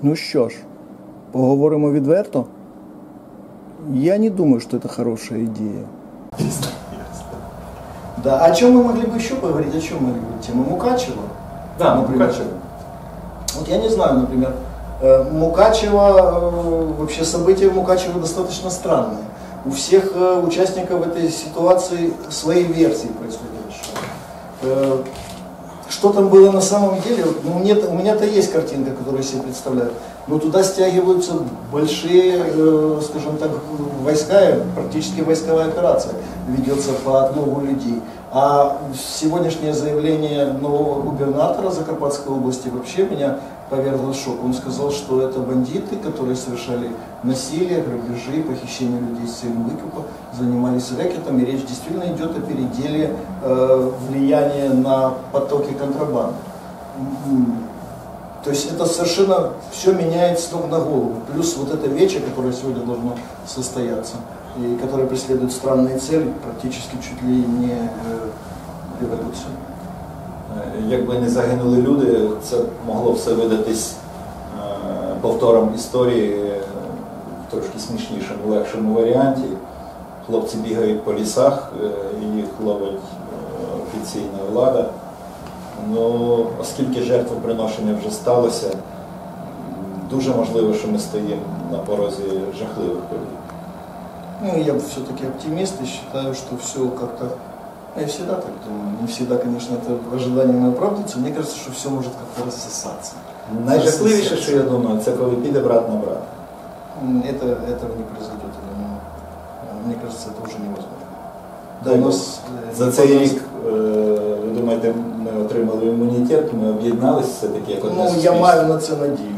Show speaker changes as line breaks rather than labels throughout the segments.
Ну що ж, поговоримо відверто? Я не думаю, что это хорошая идея. Да, о чем мы могли бы еще поговорить? О чем мы могли бы? Тема Мукачева?
Да,
например.
Мукачева.
Вот я не знаю, например, Мукачево, вообще события в Мукачево достаточно странные. У всех участников этой ситуации свои версии происходящего. Что там было на самом деле, ну, у меня-то есть картинка, которую я себе представляю, но туда стягиваются большие, скажем так, войска, практически войсковая операция ведется по отлову людей. А сегодняшнее заявление нового губернатора Закарпатской области вообще меня повергло в шок. Он сказал, что это бандиты, которые совершали насилие, грабежи, похищение людей с целью выкупа, занимались рэкетом, и речь действительно идет о переделе влияния на потоки контрабанды. То есть это совершенно все меняет с ног на голову. Плюс вот это вече, которое сегодня должно состояться, и которое преследует странные цели, практически чуть ли не революцію.
Якби не загинули люди, це могло все видатись повтором історії в трошки смішнішому, легшому варіанті. Хлопці бігають по лісах, їх ловить офіційна влада. Ну, оскільки жертвоприношення вже сталося, дуже можливо, що ми стоїмо на порозі жахливих подій.
Ну, я все-таки оптимист и считаю, что все как-то... Я всегда так думаю. Не всегда, конечно, это ожидание мое оправдывается. Мне кажется, что все может как-то рассосаться.
Найжахливіше, що я думаю, це коли піде брат на брата.
Этого не произойдет, я думаю. Мне кажется, это уже невозможно.
За цей рік, ви думаєте, ми отримали імунітет, ми об'єдналися все-таки як одне суспільство?
Ну, я маю на це надію.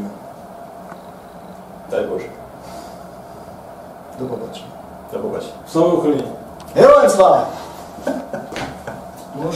Дай Боже.
До побачення.
До побачення.
Слава Україні!
Героям слава!